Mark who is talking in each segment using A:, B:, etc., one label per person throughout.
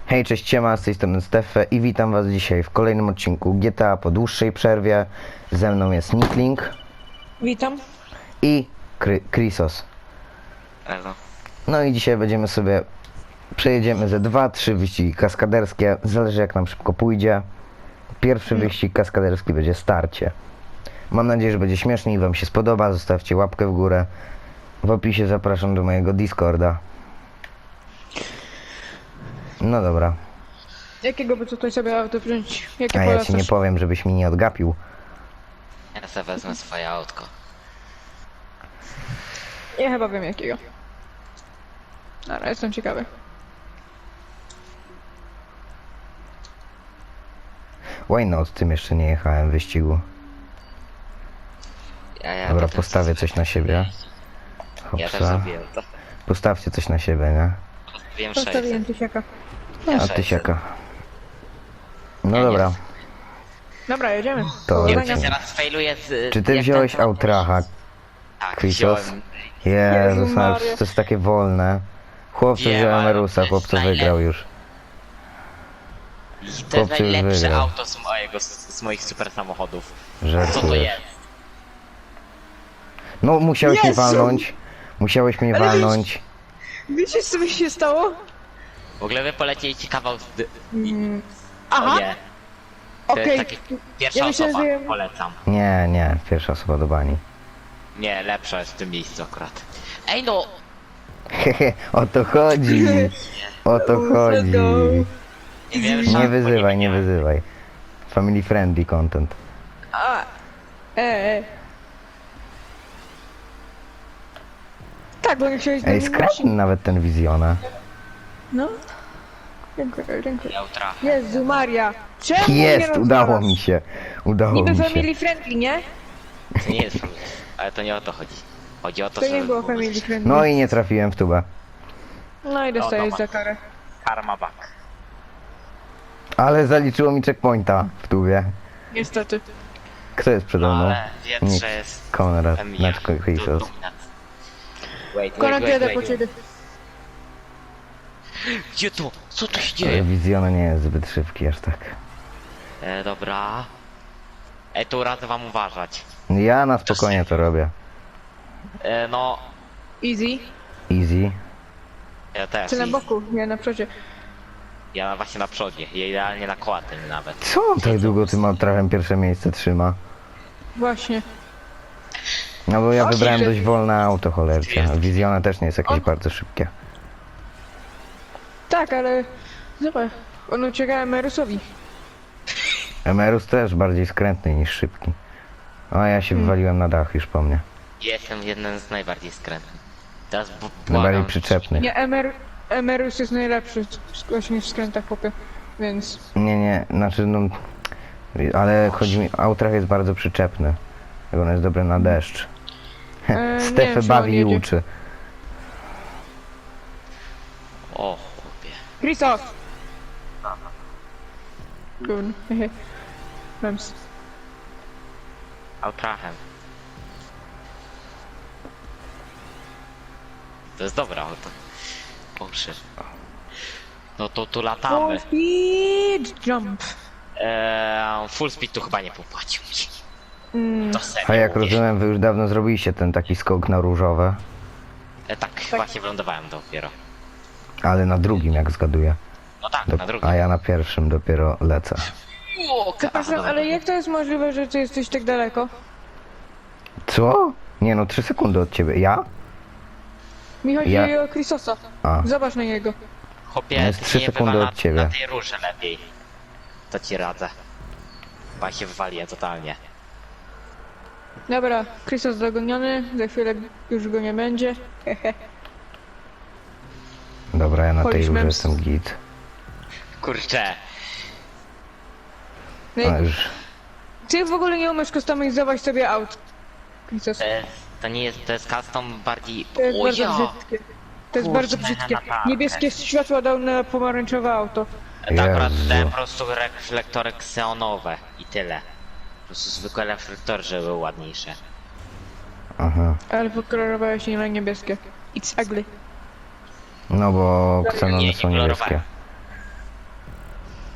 A: Hej, cześć, siema, z tej strony Stefe i witam was dzisiaj w kolejnym odcinku GTA po dłuższej przerwie. Ze mną jest Nikling
B: Witam.
A: i Krisos.
C: Elo.
A: No i dzisiaj będziemy sobie, przejedziemy ze 2-3 wyścigi kaskaderskie, zależy jak nam szybko pójdzie. Pierwszy wyścig kaskaderski będzie starcie. Mam nadzieję, że będzie śmiesznie i wam się spodoba, zostawcie łapkę w górę. W opisie zapraszam do mojego Discorda. No dobra,
B: Jakiego by tutaj sobie auto wziąć? Jakie
A: a ja ci
B: polecasz?
A: nie powiem, żebyś mi nie odgapił.
C: Ja sobie wezmę swoje autko.
B: Ja chyba wiem jakiego. Ale jestem ciekawy.
A: Why not? Tym jeszcze nie jechałem w wyścigu.
C: Ja
A: Dobra,
C: potem
A: postawię
C: sobie
A: coś na siebie.
C: Ja też
A: Hopsa.
C: zrobiłem to.
A: Postawcie coś na siebie, nie?
C: Wiem
B: Postawiłem
C: 600.
B: tysiaka.
A: A tysiaka. No
C: Ja
A: dobra.
B: Dobra, jedziemy.
A: To
B: Powodzenia.
A: lecimy.
C: Teraz failuję z...
A: Czy ty
C: jak
A: wziąłeś
C: ten-
A: Outracha,
C: Tak,
A: Krisos?
C: wziąłem.
A: Jezus,
B: Jezu
A: ale
B: Maria.
A: to jest takie wolne. Chłopcy
C: Wiem,
A: wziął
C: ale
A: Emerusa,
C: to jest
A: chłopcy
C: najlepsze.
A: wygrał już.
C: I to jest
A: Chłopcy już
C: najlepsze
A: wygrał.
C: auto z moich super samochodów. Co to
A: Żartujesz.
C: jest?
A: No musiałeś mnie
B: Jezu!
A: walnąć. Musiałeś mnie
B: Ale
A: walnąć.
B: Wiecie co mi się stało?
C: W ogóle wy polecieliście kawał z...
B: Aha,
C: O nie. To
B: okej.
C: jest takie... Pierwsza
B: Ja myślę,
C: osoba.
B: że-
C: Polecam.
A: Nie, pierwsza osoba do bani.
C: Nie, lepsza jest w tym miejscu akurat. Ej no!
A: Hehe, o to chodzi. O to
B: Let's
A: chodzi.
B: go.
C: Nie wiem,
A: Nie wyzywaj, nie wyzywaj. Family friendly content.
B: A. Tak, bo nie chciałeś z
A: Ej,
B: nami
A: skrętny nawet ten Wizjona.
B: No. Dziękuję, dziękuję.
C: Ja utrafię.
B: Jezu Maria. Czemu
A: Jest,
B: mnie
A: udało
B: rozwalasz?
A: mi się. Udało
B: Niby
A: mi się.
B: family friendly, nie?
C: To nie jest problem. Ale to nie o to chodzi. Chodzi o to,
B: To
C: że...
B: nie było family friendly.
A: No i nie trafiłem w tubę.
B: No i dostajesz
C: No,
B: za karę.
C: Karma back.
A: Ale zaliczyło mi checkpointa w tubie.
B: Niestety.
A: Kto jest przede mną?
C: Ale wiem,
A: Nic.
C: że jest...
A: Konrad,
C: Emilia.
A: znaczy Krisos.
C: Dominat. Wait,
B: Konrad jedę po ciebie.
C: Gdzie to? Co tu się
A: Ale
C: dzieje?
A: Wizjona nie jest zbyt szybki aż tak.
C: Dobra. Tu radzę wam uważać.
A: Ja na spokojnie to robię.
C: No,
B: Easy.
A: Easy.
C: ja też.
B: Czy na boku? Nie, na przodzie.
C: Ja właśnie na przodzie. Ja idealnie na kołatem nawet.
A: Co on tak długo tym Outrachem pierwsze miejsce trzyma?
B: Właśnie.
A: No bo ja
B: Właśnie,
A: wybrałem
B: że-
A: dość wolne auto, cholercie. A Wizjona też nie jest jakieś
B: On-
A: bardzo szybkie.
B: Tak, ale... Zobacz. On ucieka Emerusowi.
A: Emerus też bardziej skrętny niż szybki. A ja się wywaliłem na dach już po mnie.
C: Jestem jeden z najbardziej skrętnych. Teraz
A: Najbardziej
C: błagam.
A: przyczepny.
B: Nie, Emerus jest najlepszy właśnie w skrętach popie. Więc...
A: Nie, znaczy no... Ale chodzi mi, Outrach jest bardzo przyczepny. Jak on jest dobry na deszcz.
B: nie wiem,
A: Stefę
B: czy
A: bawi
B: on
A: i
B: jedzie.
A: uczy.
C: O chłopie.
B: Christos! Gówno. Hehe. Mems.
C: Outrachem. To jest dobre auto. Boże. No to tu latamy.
B: Full speed jump.
C: Full speed tu chyba nie popłacił mi.
B: Mm,
C: To serio
A: A jak
C: mówię.
A: rozumiem, wy już dawno zrobiliście ten taki skok na różowe.
C: Tak, właśnie wylądowałem dopiero.
A: Ale na drugim, jak zgaduję.
C: No tak,
A: Do,
C: na drugim.
A: a ja na pierwszym dopiero lecę.
C: O,
B: Przepraszam, ale jak to jest możliwe, że ty jesteś tak daleko?
A: Co? Nie no, 3 sekundy od ciebie. Ja?
B: Mi chodzi
A: Ja-
B: o Christosa.
A: A.
B: Zobacz na niego.
C: Chłopie,
A: No jest
C: ty
A: 3
C: nie
A: sekundy
C: wywala
A: od ciebie.
C: Na tej róży lepiej. To ci radzę. Chyba się wywaliłem totalnie.
B: Dobra, Christos dogoniony, za chwilę już go nie będzie. Hehe.
A: Dobra, ja na tej
B: Polish
A: róży
B: memes.
A: jestem git.
C: Kurczę.
B: No
A: Ale
B: i
A: już...
B: ty w ogóle nie umiesz kustomizować sobie aut. Christos.
C: To nie jest, to jest custom bardziej...
B: To jest
C: O
B: bardzo
C: ja!
B: brzydkie. To jest
C: Kurczę,
B: bardzo brzydkie.
C: naprawdę.
B: Niebieskie światło dał na pomarańczowe auto.
C: To akurat
A: Jezu.
C: dałem po prostu reflektory kseonowe i tyle. Po prostu zwykłe reflektory, żeby były ładniejsze.
A: Aha.
B: Ale pokolorowałeś nie na niebieskie. It's ugly.
A: No bo
C: Nie,
A: ksenony
C: nie
A: są
C: kolorowałem.
A: niebieskie.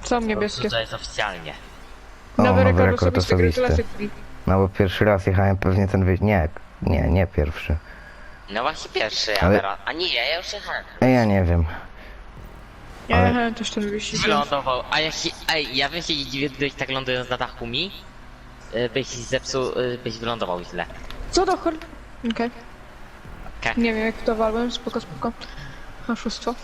B: Są niebieskie.
C: To jest oficjalnie.
A: O,
B: Nowy
A: nowy
B: rekord osobisty, gratulacje.
A: No bo pierwszy raz jechałem pewnie ten nie pierwszy.
C: No właśnie pierwszy, ja
A: Ale-
C: teraz. A nie, ja już jechałem.
A: Ja nie wiem.
B: Ja
A: Ale-
B: jechałem też ten wyścig.
C: Wylądował, a ja się, ej, ja bym się nie dziwił, gdybyś tak lądując na dachu mi, byś zepsuł, byś wylądował źle.
B: Co do chor... Okej.
C: Okej.
B: Nie wiem jak to walłem, spoko. Oszustwo.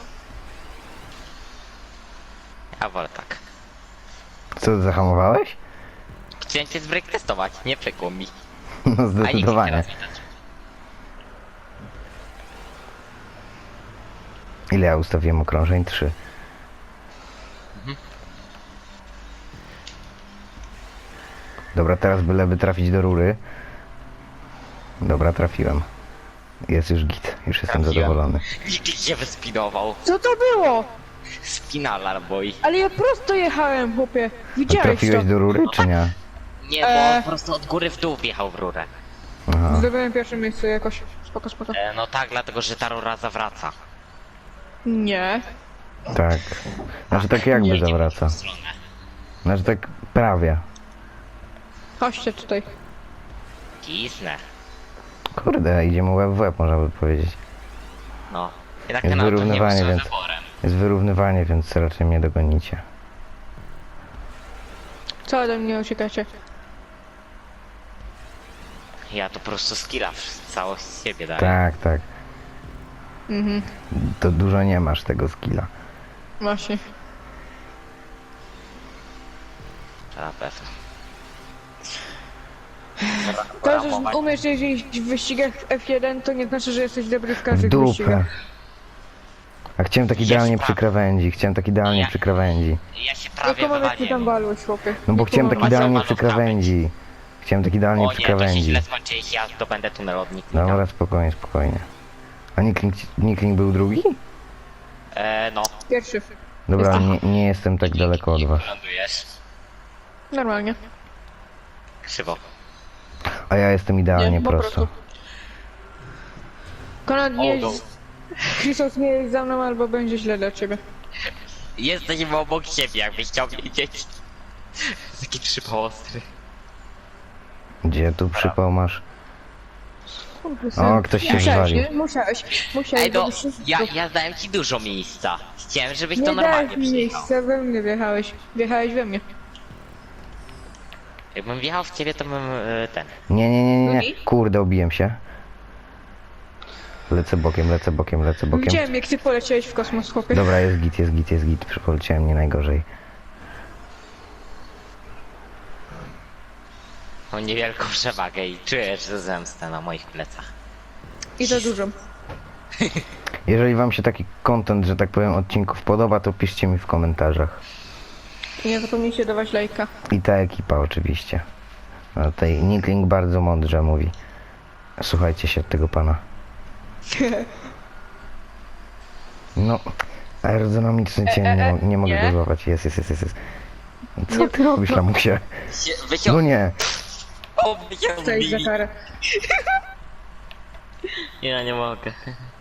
C: Ja wolę tak.
A: Co, zahamowałeś?
C: Chciałem cię z break testować, nie przekło mi.
A: No
C: A nikt
A: zdecydowanie.
C: teraz widać.
A: Ile ja ustawiłem okrążeń? 3. Dobra, teraz byleby trafić do rury. Dobra, trafiłem. Jest już git, już jestem
C: Trafiłem.
A: zadowolony.
C: Nikt się wyspinował.
B: Co to było?
C: Spinalar boy.
B: Ale ja prosto jechałem, chłopie.
A: A
B: Widziałeś to?
A: trafiłeś do rury, czy nie?
C: Nie, bo po prostu od góry w dół wjechał w rurę.
A: Aha.
B: Zdobyłem pierwsze miejsce jakoś. Spoko.
C: No tak, dlatego że ta rura zawraca.
B: Nie.
A: Tak. Znaczy tak jakby
C: Nie, nie
A: zawraca.
C: w tą stronę.
A: Znaczy tak prawie.
B: Chodźcie tutaj.
C: Kisnę.
A: Kurde, idziemy łeb w łeb, można by powiedzieć.
C: No. Jednak
A: Jest
C: ten auto nie był
A: wyrównywanie,
C: złym
A: więc-
C: wyborem.
A: Jest wyrównywanie, więc raczej mnie dogonicie.
B: Co ode mnie uciekacie?
C: Ja to po prostu skilla całość z siebie daję.
A: Tak.
B: Mhm.
A: To dużo nie masz tego skilla.
B: Właśnie.
C: To na pewno.
B: To, że umiesz jeździć w wyścigach F1, to nie znaczy, że jesteś dobry w
A: W
B: każdych
A: dupę.
B: wyścigach.
A: A chciałem tak
C: Jest
A: idealnie
C: prawda.
A: przy krawędzi,
C: Ja-
A: przy krawędzi.
C: Ja się prawie
B: Jaką mamy ty tam
C: wywaliłem.
B: walłeś, chłopie?
A: No bo chciałem tak
C: Kurwa,
A: idealnie
C: zobacz,
A: przy
C: krawędź.
A: krawędzi. Chciałem tak idealnie
C: O
A: przy
C: nie, to się
A: krawędzi.
C: źle skończy, jeśli ja zdobędę tunel od Niknika.
A: Dobra, spokojnie. A Nikling był drugi?
C: No.
B: Pierwszy.
A: Dobra,
B: Jestem.
A: nie jestem tak daleko od was.
C: Lądujesz.
B: Normalnie.
C: Krzywo.
A: A ja jestem idealnie
B: Nie, po
A: prosto.
B: prostu. Konrad nie
C: O, no.
B: jest... Chrisos nie jest za mną, albo będzie źle dla ciebie.
C: Jesteśmy obok siebie, jakbyś chciał wiedzieć. Taki przypał ostry.
A: Gdzie tu przypał masz?
B: Kurde,
A: O,
B: sam.
A: ktoś się
B: Musiałeś,
A: wywalił.
B: nie? Musiałeś,
C: Ej, no,
B: bo byś się
C: ja dałem ci dużo miejsca. Chciałem, żebyś to
B: nie
C: normalnie
B: dałeś mi
C: przyjechał.
B: miejsca, we mnie wjechałeś. Wjechałeś we mnie.
C: Jakbym wjechał w ciebie, to bym ten.
A: Nie.
B: Drugi?
A: Kurde, obiłem się. Lecę bokiem.
B: Widziałem, jak ty poleciałeś w kosmos, chłopie.
A: Dobra, jest git. Poleciałem nie najgorzej.
C: Mam niewielką przewagę i czuję, że zemstę na moich plecach.
B: I to dużo.
A: Jeżeli wam się taki content, że tak powiem, odcinków podoba, to piszcie mi w komentarzach.
B: I nie zapomnijcie dawać lajka.
A: I ta ekipa oczywiście. A tutaj Nikling bardzo mądrze mówi. Słuchajcie się tego pana. No, aerodynamiczny cień, nie mogę
B: nie.
A: go złapać. Jest. Co ty robisz, lamusie?
C: Wyciąg...
A: No nie.
C: O,
B: Co jest za karę?
C: Ja nie mogę.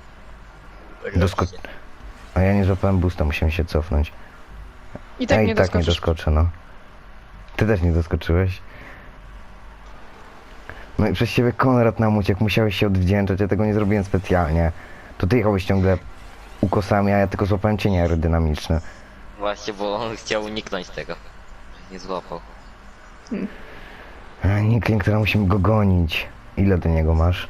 A: A ja nie złapałem boosta, musiałem się cofnąć.
B: I tak
A: Ja
B: nie
A: i tak nie
B: doskoczysz.
A: doskoczę, no. Ty też nie doskoczyłeś. No i przez ciebie Konrad nam uciekł, musiałeś się odwdzięczać, ja tego nie zrobiłem specjalnie. To ty jechałeś ciągle ukosami, a ja tylko złapałem cienie aerodynamiczne.
C: Właśnie, bo on chciał uniknąć tego. Nie złapał.
A: A Nikling, teraz musimy go gonić. Ile do niego masz?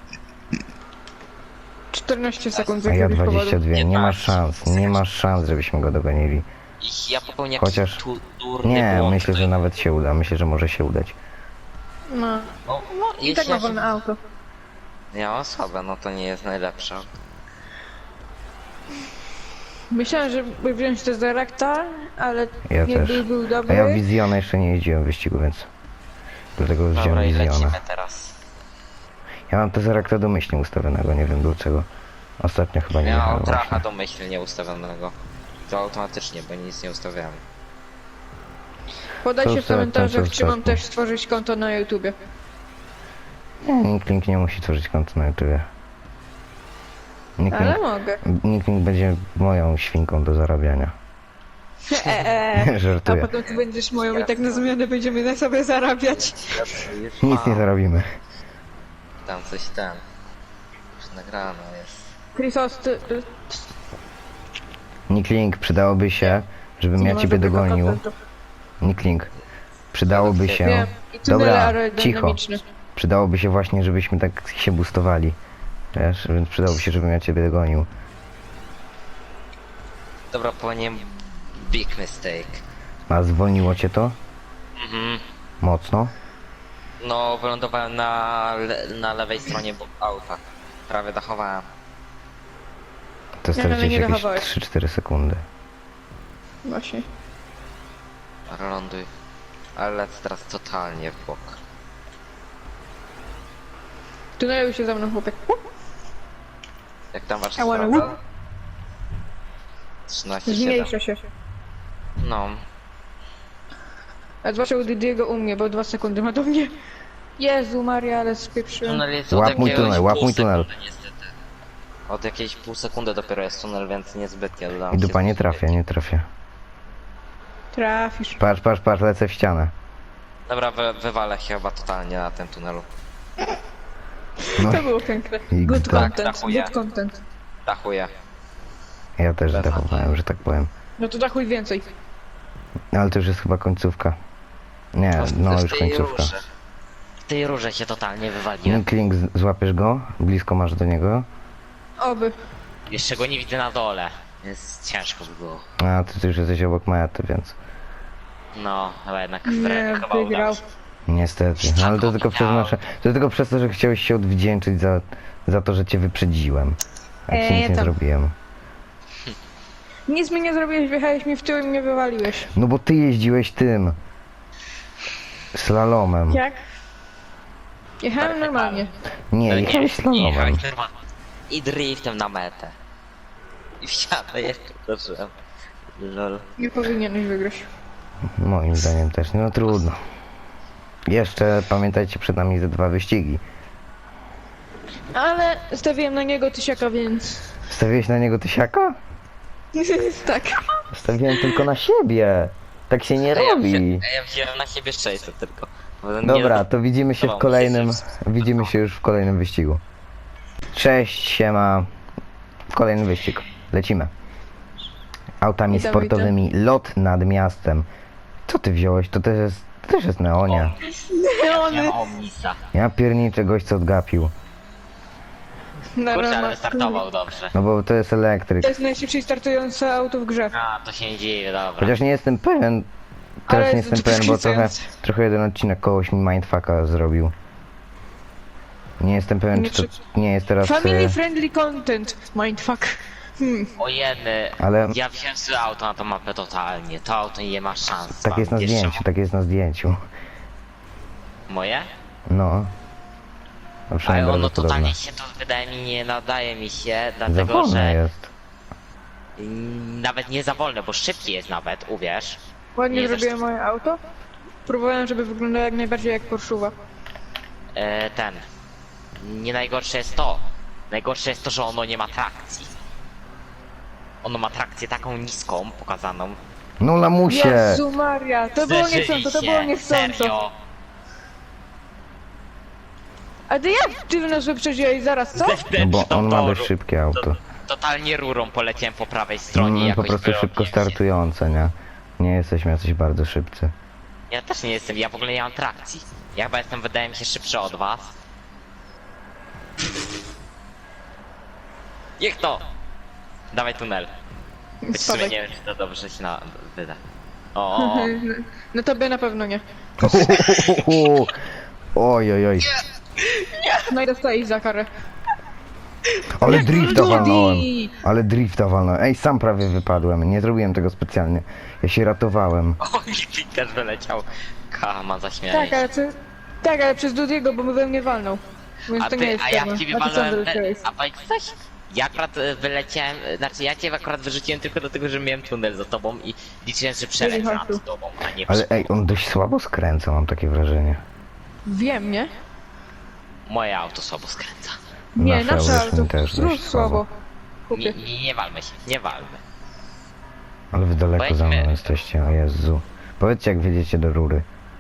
B: 14 sekund z
A: A ja
B: jakiegoś powodu.
A: 22. Nie masz szans, żebyśmy go dogonili.
C: I ja popełnię
A: Chociaż-
C: jakiś durny
A: Nie,
C: błąd.
A: myślę, że nawet się uda. Myślę, że może się udać.
B: No.
C: No,
B: I tak ma wolne auto.
C: Ja mam słabe, no to nie jest najlepsze.
B: Myślałem, żeby wziąć to za Rakta, ale
A: Ja
B: nie
A: też.
B: był
A: A
B: dobry.
A: ja Wizjona jeszcze nie jeździłem w wyścigu, więc... Dlatego wziąłem
C: Dobra, i
A: Wizjona.
C: lecimy teraz.
A: Ja mam Tezerakta domyślnie ustawionego, nie wiem dlaczego. Ostatnio chyba nie
C: Ja mam
A: jechałem
C: tracha
A: właśnie.
C: domyślnie ustawionego. To automatycznie, bo nic nie ustawiałem.
B: Podajcie w
A: Co
B: komentarzach,
A: ostatnio?
B: czy mam też stworzyć konto na YouTubie.
A: Nie, Nikling nie musi tworzyć konta na YouTube.
B: Ale mogę.
A: Nikling będzie moją świnką do zarabiania.
B: A
A: Żartuję.
B: potem ty będziesz moją i tak na zmianę będziemy na sobie zarabiać.
C: Już
A: Nic nie zarobimy.
C: Tam coś tam. Już nagrano jest.
B: Chrisos, ty...
A: Nikling, przydałoby się, żebym ja
B: nie
A: ciebie
B: ma żadnego
A: dogonił.
B: kontentu.
A: Nikling, przydałoby się...
B: Wiem. I tunele
A: Dobra,
B: aerodynamiczne.
A: Przydałoby się właśnie, żebyśmy tak się boostowali. Wiesz, więc przydałoby się, żebym ja ciebie dogonił.
C: Dobra, powinienem... Big mistake.
A: A zwolniło cię to?
C: Mhm.
A: Mocno?
C: No, wylądowałem na lewej stronie auta. Prawie dachowałem.
A: To
B: Ja dalej
A: straciłeś
B: nie
A: jakieś
B: dachowałeś.
A: 3-4 sekundy.
B: Właśnie.
C: Ląduj. Ale lecę teraz totalnie w bok.
B: Tunelu się za mną chłopak.
C: Jak tam wasza
B: I wanna
C: sprawa?
B: whoop.
C: 13,7.
B: Zmniejsza się.
C: No.
B: A zwłaszcza u Didiego u mnie, bo 2 sekundy ma do mnie. Jezu Maria, ale spieprzyłem.
C: Tunel jest
A: Łap
C: od
A: mój
C: jakiegoś
A: tunel, łap
C: pół
A: mój tunel.
C: sekundy, niestety. Od jakiejś pół sekundy dopiero jest tunel, więc niezbytnie dodam.
A: I
C: się
A: dupa nie
C: zbyt.
A: trafię, nie trafię.
B: Trafisz.
A: Patrz, lecę w ścianę.
C: Dobra, wywalę się chyba totalnie na tym tunelu.
A: No,
B: To było piękne.
A: I
B: Good
A: tak,
B: content,
C: dachuję.
B: good content.
C: Dachuję.
A: ja też zdechowałem, że tak powiem.
B: No to dachuj więcej.
A: Ale to już jest chyba końcówka. Nie, no
C: W
A: już
C: tej
A: końcówka.
C: rurze. W tej rurze się totalnie wywaliłem.
A: Nikling, złapiesz go? Blisko masz do niego?
B: Oby.
C: Jeszcze go nie widzę na dole. Więc ciężko by było.
A: A, ty już jesteś obok mety, więc...
C: No, ale jednak
B: Nie,
C: chyba udało
B: wygrał.
C: się.
A: Niestety. No, ale to tylko przez nasze... To tylko przez to, że chciałeś się odwdzięczyć za to, że cię wyprzedziłem. Jak ci nic nie
B: tam.
A: zrobiłem.
B: Nic mi nie zrobiłeś, wjechałeś mi w tył i mnie wywaliłeś.
A: No bo ty jeździłeś tym... Slalomem.
B: Jak? Jechałem normalnie.
A: Nie,
C: No
A: jechałeś slalomem.
C: jechałeś normalnie. I driftem na metę. I wsiadę jeszcze zacząłem. Lol.
B: Nie powinieneś wygrać.
A: Moim zdaniem też. No trudno. Jeszcze pamiętajcie, przed nami ze 2 wyścigi.
B: Ale stawiłem na niego tysiaka, więc...
A: Stawiłeś na niego tysiaka?
B: tak.
A: Stawiłem tylko na siebie. Tak się nie robi.
C: Ja wziąłem na siebie 600 tylko. Bo nie-
A: Dobra, to widzimy się w
C: Dobra,
A: kolejnym...
C: jest.
A: Widzimy się już w kolejnym wyścigu. Cześć, siema. Kolejny wyścig. Lecimy. Autami
B: Witam,
A: sportowymi. Lot nad miastem. Co ty wziąłeś? To też jest Neonia.
C: Nie, Omnisa.
A: Ja pierniczę gość co odgapił.
C: Kurczę, ale wystartował dobrze.
A: No bo to jest elektryk.
B: To jest najszybciej startujące auto w grze.
C: A, to się nie dzieje, dobra.
A: Chociaż nie jestem pewien. Teraz
B: Ale
A: nie jestem
B: to
A: pewien, bo
B: wkręcające.
A: trochę jeden odcinek kogoś mi mindfucka zrobił. Nie jestem pewien,
B: Nie,
A: czy to nie jest teraz...
B: Family friendly content. Mindfuck.
C: O jedy,
A: Ale-
C: ja wziąłem sobie auto na tą mapę totalnie. To auto nie ma szans.
A: Tak jest na
C: Jeszcze
A: zdjęciu, tak jest na zdjęciu.
C: Moje?
A: No. No
C: Ale
A: przynajmniej
C: ono
A: bardzo podobne.
C: totalnie się to wydaje mi nie nadaje mi się,
A: Za
C: dlatego
A: wolne
C: że
A: jest.
C: nawet nie za wolne, bo szybki jest nawet, uwierz.
B: Ładnie
C: Nie,
B: zrobiłem moje auto. Próbowałem, żeby wyglądało jak najbardziej jak Porsche'uwa.
C: Nie najgorsze jest to. Najgorsze jest to, że ono nie ma trakcji. Ono ma trakcję taką niską, pokazaną.
A: No lamusie!
B: Jezu Maria, to było
C: Zderzyli
B: niechcąco, to
C: się,
B: było niechcąco.
C: Serio.
B: A ty jak ty nas wyprzedziłeś zaraz, co?
A: No bo on ma
C: Toru.
A: dość szybkie auto.
C: Totalnie rurą poleciałem po prawej stronie
A: Po
C: jakoś
A: prostu szybko
C: wyrobiłem się.
A: startujące, nie? Nie jesteśmy jacyś bardzo szybcy.
C: Ja też nie jestem, ja w ogóle nie mam trakcji. Ja chyba jestem, wydaje mi się, szybszy od was. Niech to! Dawaj tunel. Choć w sumie
B: Spadek.
C: nie wiem, czy to dobrze się wyda. O,
B: No tobie na pewno nie.
A: Oj, oj, oj.
B: No i dostajesz za karę.
A: Ale drifta
B: Judy!
A: walnąłem. Ale drifta walnąłem. Ej, sam prawie wypadłem. Nie zrobiłem tego specjalnie. Ja się ratowałem.
C: o, też wyleciał. Kama, zaśmiałeś.
B: Tak, ale przez Dudiego, bo my we mnie walnął. Więc
C: A
B: to nie
C: ty,
B: jest
C: a ja
B: pewne.
C: w ciebie
B: A ty sam
C: walnąłem,
B: wyleciałeś.
C: a powiedz coś? Ja akurat wyleciałem, znaczy ja cię akurat wyrzuciłem tylko dlatego, że miałem tunel za tobą i liczyłem, że przeleciał
B: chodź tu.
C: nad tobą, a nie
A: Ale ej, on dość słabo skręca, mam takie wrażenie.
B: Wiem, nie?
C: Moje auto słabo skręca.
B: Nie,
A: Nasze
B: nasze
A: auto
B: auto.
A: też
B: Znów
A: dość
B: słabo.
C: Nie,
B: Kupię.
C: nie walmy się, nie walmy.
A: Ale wy daleko za mną
C: Pojedźmy.
A: jesteście, o Jezu. Powiedzcie jak wjedziecie do rury.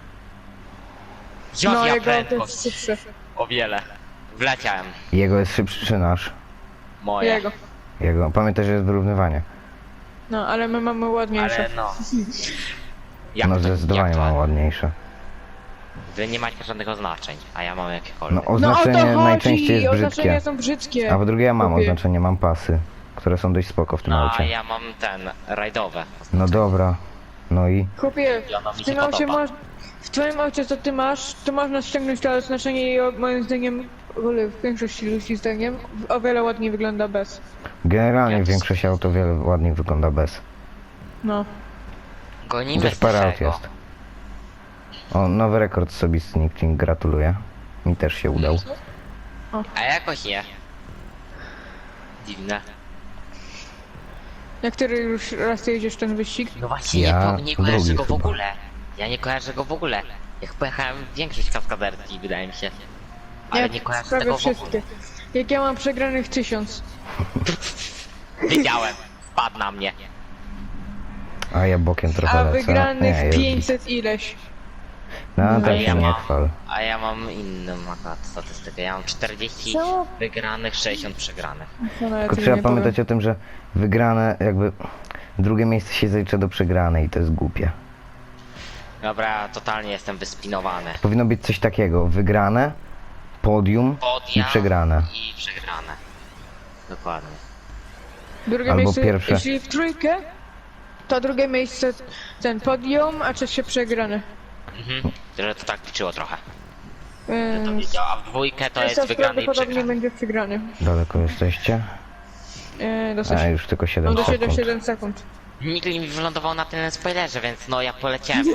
C: Ja
B: No, jego to
C: prędkość.
B: jest szybsze.
C: O wiele. Wleciałem.
A: Jego jest szybszy czy nasz?
C: Moje.
B: Jego.
A: Jego. Pamiętaj, że jest wyrównywanie.
B: No, ale my mamy ładniejsze.
C: Ale no. Jak
A: No
C: to-
A: zdecydowanie
C: jak to?
A: mam ładniejsze.
C: Wy nie macie żadnych oznaczeń, a ja mam jakiekolwiek.
A: No
B: No o to
A: oznaczenie
B: chodzi!
A: najczęściej jest
B: Oznaczenia
A: brzydkie.
B: są brzydkie.
A: A po drugie ja mam
B: Kupię.
A: oznaczenie, mam pasy, które są dość spoko w tym
C: No, a
A: aucie.
C: ja mam rajdowe.
A: No dobra. No i
B: Chłopie,
C: I ono mi
B: w
C: się
B: tym aucie
C: podoba.
B: masz... W twoim aucie co ty masz, to można ściągnąć to oznaczenie i moim zdaniem, w ogóle w większości ludzi zdaniem, o wiele ładniej wygląda bez.
A: generalnie
C: Ja to
A: większość aut o wiele ładniej wygląda bez.
B: No.
C: Gonimy
A: Też parę aut
C: tego.
A: jest. O, nowy rekord osobisty, Nickling, gratuluję. Mi też się udał.
C: A jakoś nie. Dziwne.
B: Jak który już raz ty jedziesz ten wyścig?
C: No właśnie,
A: Ja
C: nie kojarzę
A: drugi
C: go w
A: chyba.
C: ogóle. Ja nie kojarzę go w ogóle. Jak pojechałem większość kaskaderki, wydaje mi się. Ale nie kojarzę
B: prawie
C: tego w ogóle.
B: wszystkie. Jak ja mam przegranych 1000.
C: Wiedziałem. Wpadł na mnie.
A: A ja bokiem trochę
B: A
A: lecę.
B: wygranych
A: jest git.
B: 500 ileś.
A: No
B: No,
A: tak
C: ja
A: się nie
C: mam-
A: chwal.
C: A ja mam inną akurat statystykę. Ja mam 40
B: Co?
C: wygranych, 60 przegranych.
B: To nawet
A: Tylko
B: nie
A: trzeba
B: powiem.
A: pamiętać o tym, że wygrane jakby... Drugie miejsce się zalicza do przegranej i to jest głupie.
C: Dobra, ja totalnie jestem wyspinowany.
A: Powinno być coś takiego. Wygrane, podium i
C: Podia
A: przegrane.
C: I przegrane. Dokładnie.
B: Drugie
A: Albo
B: miejsce,
A: pierwsze.
B: jeśli w trójkę, to drugie miejsce ten podium, a trzecie przegrane.
C: Mhm. Że to tak liczyło trochę. To
B: Więc
C: wiedział, a w dwójkę to jest
B: Teraz
C: wygrany i
B: prawdopodobnie
C: przegrany.
B: będzie przegrany.
A: Daleko jesteście?
B: Dosyć.
A: A już tylko 7
B: No do
A: sekund.
B: 7 sekund.
C: Nikt mi wylądował na tym spoilerze, więc no ja poleciałem.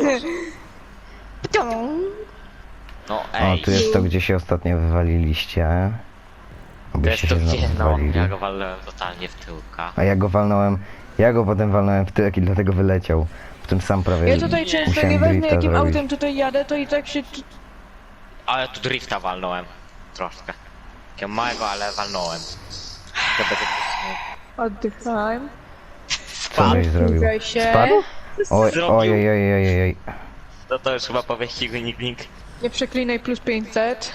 C: No
A: O,
C: ej,
A: tu jest to, gdzie się ostatnio wywaliliście.
C: to
A: Abyście
C: jest to
A: się
C: gdzie,
A: znowu
C: no,
A: wywalili.
C: ja go walnąłem totalnie w tyłka.
A: A ja go walnąłem, ja go potem walnąłem w tyłek i dlatego wyleciał. W tym sam prawie
B: Ja tutaj często
A: musiałem
B: nieważne
A: drifta
B: jakim
A: zrobić.
B: autem tutaj jadę, to i tak się...
C: Ale tu drifta walnąłem. Troszkę. Takiego małego, ale walnąłem. To będzie
B: Oddychałem.
A: Co żeś zrobił?
B: Zbliżaj się.
A: Spadł? Oj,
C: Zrobił.
A: oj, oj, oj, oj, oj.
C: to już chyba po wyścigu Nickling.
B: Nie przeklinaj plus 500.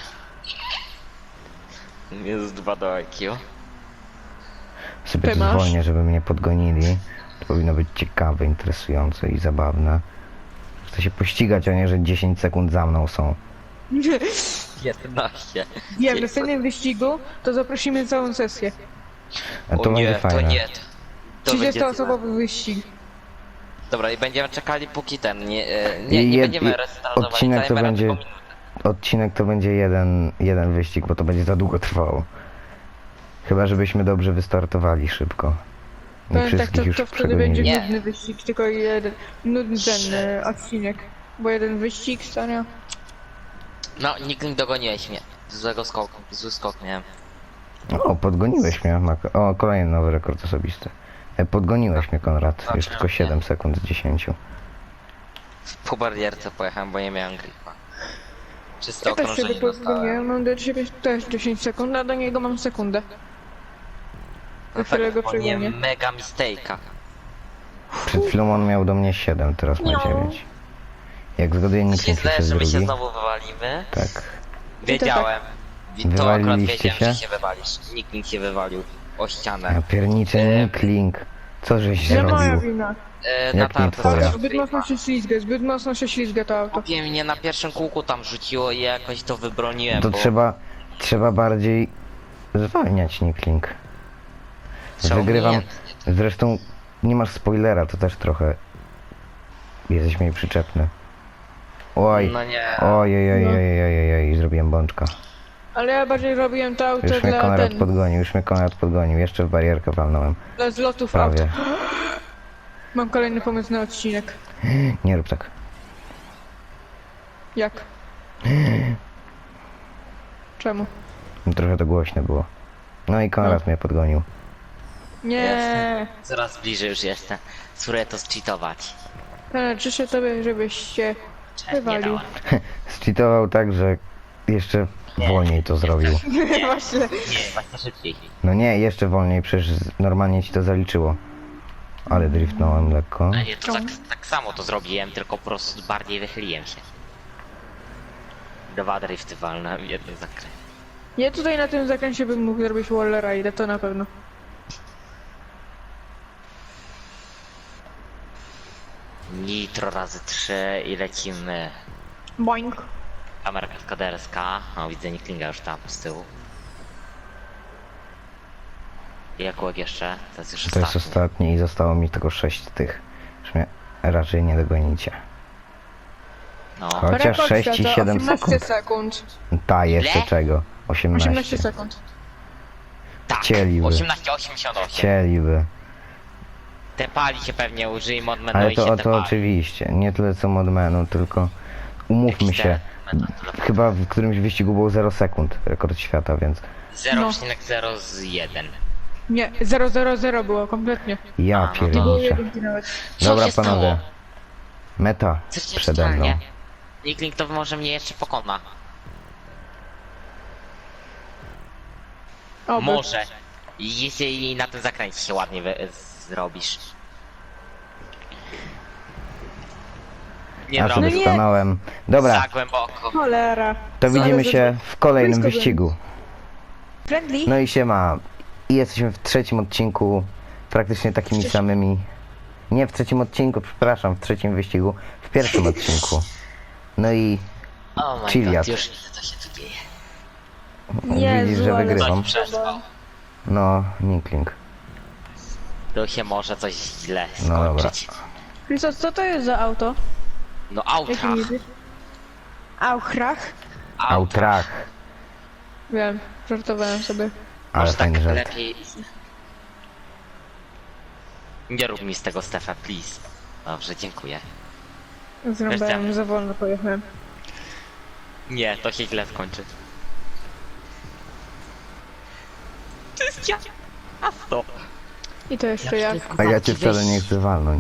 C: Jest 2 do IQ.
A: Sobie
B: Ty masz?
A: zwolnię, żeby mnie podgonili. To powinno być ciekawe, interesujące i zabawne. Chcę się pościgać, a nie, że 10 sekund za mną są.
C: 11.
B: Wiem, w następnym wyścigu to zaprosimy całą sesję.
A: A to
C: O nie,
A: będzie fajne.
C: to nie. To będzie
B: 30-osobowy wyścig.
C: Dobra, i będziemy czekali póki ten, nie
A: I
C: będziemy restartować
A: odcinek to
C: timera,
A: będzie-
C: tylko minutę.
A: Odcinek to będzie jeden wyścig, bo to będzie za długo trwało. Chyba, żebyśmy dobrze wystartowali szybko. Nie
B: Powiem tak,
A: wszystkich już
B: to wtedy będzie
A: przegonili.
C: Nie.
B: nudny wyścig, tylko jeden. Nudny ten odcinek. Bo jeden wyścig, stania.
C: No, Nickling dogoniłeś mnie. Zły skok miałem.
A: O, podgoniłeś mnie. O, kolejny nowy rekord osobisty. Podgoniłeś mnie, Konrad. Już tylko 7 sekund z 10.
C: Po barierce pojechałem, bo nie miałem gripa. Czyste
B: Ja też się
C: okrążenie dostałem.
B: wypodgoniłem, mam do ciebie też 10 sekund, a do niego mam sekundę.
C: No
B: Do którego
C: tak, bo nie
B: przegonię.
C: mega mistake'a.
A: Przed chwilą on miał do mnie 7, teraz ma
B: No.
A: 9. Jak zgaduję,
C: Mi
A: nikt
C: się
A: nie
C: zdaje,
A: jest
C: że my się
A: drugi.
C: znowu wywalimy.
A: Tak.
C: Wiedziałem. To akurat
A: Wywaliliście
C: wiedziałem, że
A: się?
C: się wywalisz. Nickling się wywalił o ścianę.
A: Ja pierniczę, Nickling. Co żeś
B: Nie moja
A: zrobił?
B: wina.
A: nie
C: Natarty
A: twoja?
C: zaraz
B: Zbyt mocno się ślizga, zbyt mocno się ślizga to auto.
C: Kupię mnie na pierwszym kółku tam rzuciło i jakoś to wybroniłem,
A: To
C: bo
A: trzeba bardziej zwalniać, Nickling.
C: trzeba
A: Wygrywam.
C: umiejętnie.
A: Zresztą nie masz spoilera, to też trochę jesteś mniej przyczepny. Oj,
C: No nie.
A: oj, oj, oj, oj, oj, oj, oj, zrobiłem bączka.
B: Ale ja bardziej robiłem to auto
A: Już mnie
B: dla
A: Konrad
B: ten,
A: podgonił, już mnie Konrad podgonił. Jeszcze w barierkę walnąłem.
B: dla zlotów auta.
A: Prawie.
B: Mam kolejny pomysł na odcinek.
A: Nie rób tak.
B: Jak? Czemu?
A: Trochę to głośne było. No i Konrad mnie podgonił.
B: Nie.
C: Coraz bliżej już jestem. Spróbuję to zcheatować.
B: Ale życzę tobie, żebyś się
C: Cześć, nie
B: wywalił.
C: dałem.
A: Zcheatował tak, że jeszcze wolniej to zrobił.
B: Właśnie.
C: Nie, właśnie szybciej.
A: No nie, jeszcze wolniej, przecież normalnie ci to zaliczyło. Ale driftnąłem lekko.
C: A nie, to tak samo to zrobiłem, tylko po prostu bardziej wychyliłem się. 2 drifty walnąłem w jednym zakręcie.
B: Ja tutaj na tym zakręcie bym mógł zrobić wall ride, to na pewno.
C: Nitro razy 3 i lecimy.
B: Boing.
C: Kamera kaskaderska. O, widzę Niklinga już tam z tyłu. I Jakłek jeszcze? To jest już
A: To jest ostatni i zostało mi tylko 6 tych. Już mnie raczej nie dogonicie.
C: No,
A: Chociaż
B: Rekord
A: 6 i
B: świata,
A: 7
B: 18
A: sekund.
B: sekund.
A: Ta, jeszcze
C: Ile?
A: czego?
B: 18
A: 18.
B: sekund.
C: tak,
A: chcieliby.
C: 18,88.
A: Chcieliby.
C: Te pali się pewnie użyj mod menu
A: Ale
C: i się
A: to
C: tepali.
A: oczywiście. Nie tyle co mod menu, tylko umówmy się. Chyba w którymś wyścigu było 0 sekund rekord świata, więc
C: 0,01.
B: Nie, 000 było kompletnie.
A: ja
C: A, no
B: Nie było
A: pierniczę.
B: jedynki nawet.
C: Co
A: Dobra
C: się stało?
A: panowie. Meta
C: Co się
A: przede mną.
C: stanie? Nikling to może mnie jeszcze pokona.
B: Oby.
C: Może. Jeśli na tym zakręcie się ładnie zrobisz. Nie
A: Ja
C: no,
A: sobie
B: nie.
A: stanąłem. Dobra,
C: za głęboko.
B: Cholera.
A: to widzimy
B: Ale
A: się w kolejnym
B: blisko
A: wyścigu.
B: Friendly?
A: No i siema. I jesteśmy w trzecim odcinku. Praktycznie takimi samymi. Nie w trzecim odcinku, przepraszam, w trzecim wyścigu. W pierwszym odcinku. No i
C: Oh my
A: Chiliad.
C: god, już widzę co się tu dzieje.
B: Jezu,
A: widzisz, że
B: ale
A: wygrywam.
C: Coś przespał.
A: No, Nikling.
C: To się może coś źle
A: No dobra.
C: skończyć.
B: Christos, co to jest za auto?
C: No
B: Jaki
C: autrach.
B: jedziesz? Auchrach?
A: Outrach.
B: Wiem, żartowałem sobie.
A: Ale
C: Może tak
A: fajny żart.
C: lepiej. Nie rób mi z tego Stefa, please. Dobrze, dziękuję.
B: Zrąbałem, za wolno pojechałem.
C: Nie, to się źle skończy. To jest ciasto.
B: I to jeszcze jak.
A: A ja cię wcale nie chcę walnąć.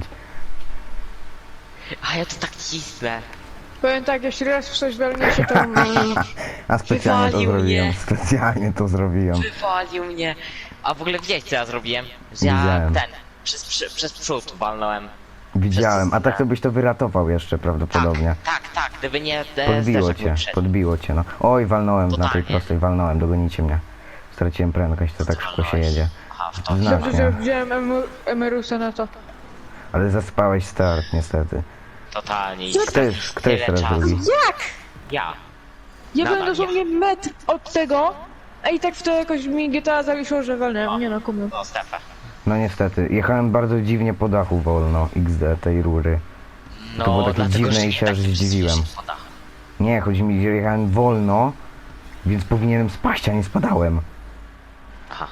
C: A ja to tak cisnę.
B: Powiem tak, jeśli raz w coś walnie się, to...
A: A specjalnie to
C: Wywalił
A: zrobiłem.
C: mnie.
A: Specjalnie to zrobiłem.
C: Wywalił mnie. A w ogóle widziałeś co ja zrobiłem? Że ja
A: Widziałem.
C: przez przód walnąłem.
A: Widziałem. A tak to byś to wyratował jeszcze prawdopodobnie.
C: Tak, gdyby nie
A: Podbiło
C: zderzak
A: cię,
C: był przed.
A: podbiło cię, no. Oj, walnąłem na tej
C: Totalnie.
A: prostej, walnąłem, dogonicie mnie. Straciłem prędkość, to tak szybko się jedzie.
C: Aha, w to.
A: Znacznie.
B: Dobrze, że wziąłem Emerusa na to.
A: Ale zaspałeś start, niestety.
C: Totalnie.
A: Kto jest teraz
C: czasu.
A: drugi?
B: Jak?
C: Ja.
B: Ja
C: Nadal
B: byłem dosłownie metr od tego, a i tak w to jakoś mi GTA zawiesiło, że walnąłem. Nie no, kumiem.
C: No Stefa.
A: No niestety, jechałem bardzo dziwnie po dachu wolno, XD tej rury.
C: No,
A: było takie
C: dlatego,
A: dziwne
C: że
A: i
C: nie
A: się aż
C: tak
A: zdziwiłem.
C: się poda.
A: Nie, chodzi mi, że jechałem wolno, więc powinienem spaść, a nie spadałem.
C: Aha.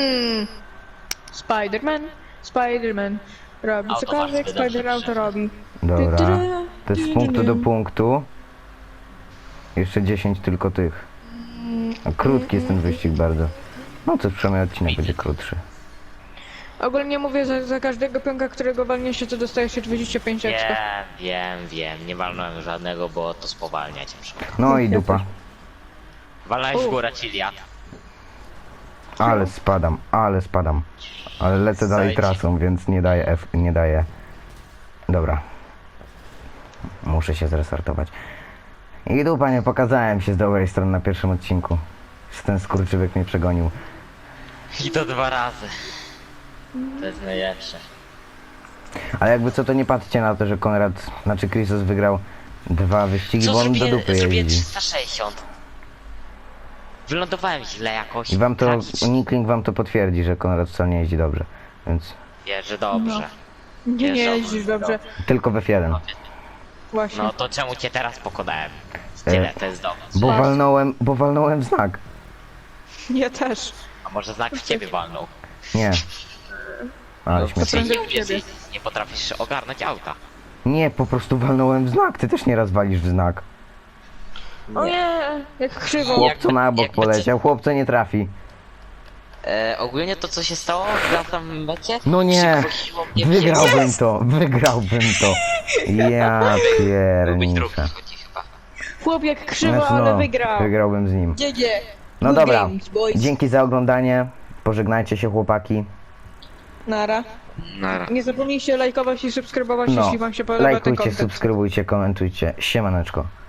B: Spiderman. Robi
C: Auto
B: cokolwiek,
C: bardzo dobrze
B: Spider-Auto robi.
A: Dobra, to jest z punktu do punktu. Jeszcze 10 tylko tych. A krótki jest ten wyścig bardzo. No to przynajmniej odcinek będzie krótszy.
B: Ogólnie mówię, za każdego pionka, którego walnie się, to dostaje się 25 ekstra.
C: Wiem. Nie walnąłem żadnego, bo to spowalnia ciężko.
A: No i dupa.
C: Walnąłeś w górę Chiliad.
A: Ale spadam. Ale lecę dalej
C: Zajdź.
A: trasą, więc nie daję F, nie daję. Dobra. Muszę się zrestartować. I dupa, nie pokazałem się z dobrej strony na pierwszym odcinku. Ten skurczybyk mnie przegonił.
C: I to 2 razy. To jest najlepsze.
A: Ale jakby co, to nie patrzcie na to, że Chrisos wygrał 2 wyścigi, bo on do dupy
C: zrobiłem
A: jeździ.
C: 360. Wylądowałem źle jakoś.
A: I wam to,
C: tragicznie.
A: Nikling wam to potwierdzi, że Konrad wcale nie jeździ dobrze. Więc
C: Wierzę dobrze.
B: Nie
C: Wiesz,
B: jeździsz dobrze.
A: tylko w F1.
B: Właśnie.
C: No to czemu cię teraz pokonałem?
A: E,
C: Tyle, to jest dobrze.
A: Bo walnąłem w znak.
B: Ja też.
C: A może znak w ciebie walnął?
A: Nie. Ale
C: No,
A: śmiesznie.
B: prędzej
C: nie
B: w ciebie.
C: wiesz, nie potrafisz ogarnąć auta.
A: Nie, po prostu walnąłem w znak. Ty też nieraz walisz w znak.
B: O nie, jak krzywo.
A: Chłopco na bok
C: jakby
A: poleciał, chłopco nie trafi.
C: Ogólnie to co się stało na tym mecie?
A: No nie,
C: Przygłosiło mnie
A: wygrałbym to. Ja
C: Byłbyś drugi
A: pierniczę.
C: chodzi chyba.
B: Chłop jak krzywo,
A: Znaczy,
B: ale
A: no,
B: wygrał.
A: wygrałbym z nim.
B: Gdzie?
A: No
B: Good
A: dobra,
B: games, boys.
A: dzięki za oglądanie. Pożegnajcie się chłopaki.
B: Nara.
C: Nara.
B: Nie zapomnijcie lajkować i subskrybować,
A: No,
B: jeśli wam się podoba ten
A: lajkujcie,
B: content.
A: subskrybujcie, komentujcie. Siemaneczko.